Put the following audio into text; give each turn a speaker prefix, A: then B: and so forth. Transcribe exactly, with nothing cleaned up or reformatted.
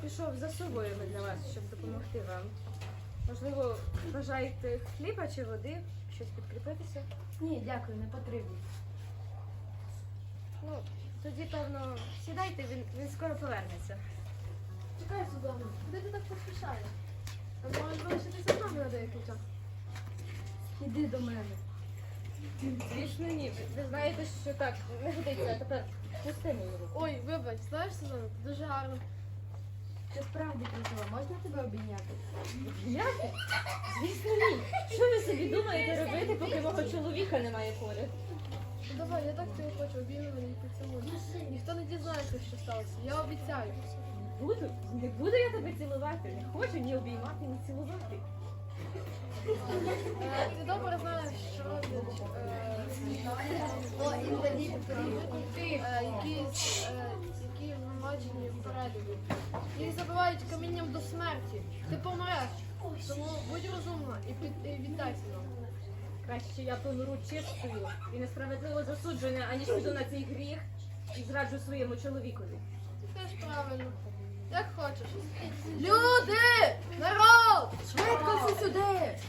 A: пішов за собою для вас, щоб допомогти вам. Можливо, бажаєте хліба чи води, щось підкріпитися?
B: Ні, дякую, не потрібно.
A: Ну, тоді, певно, сідайте, він, він скоро повернеться.
C: Чекай, Судомо, куди ти так поспішаєш? А можеш залишитися з нами на деякий час?
B: Іди до мене.
A: Звісно, ні. Ви, ви знаєте, що так не годиться, а тепер пусти мою руку.
C: Ой, вибач, знаєш, Судомо, ти дуже гарно.
B: Ти справді красива, можна тебе обійняти?
A: Як? Звісно, ні. Що ви собі думаєте робити, поки мого чоловіка немає поряд?
C: Ну, давай, я так тебе хочу, обійми мене і поцілуй. Ніхто не дізнається, що сталося, я обіцяю.
A: Буду, не буду я тебе цілувати. Не хочу ні обіймати, ні цілувати.
C: Е, ти добре знаєш, що роблять е, інваліди, е, які, е, які вимочені впереду. Їх забивають камінням до смерті. Ти помреш. Тому будь розумна і, під, і віддайся нам.
A: Краще я помру чистою і несправедливо засуджена, аніж піду на цей гріх і зраджу своєму чоловікові.
C: Ти теж правильно. Як хочеш. Люди! Народ!
B: Швидко всі сюди!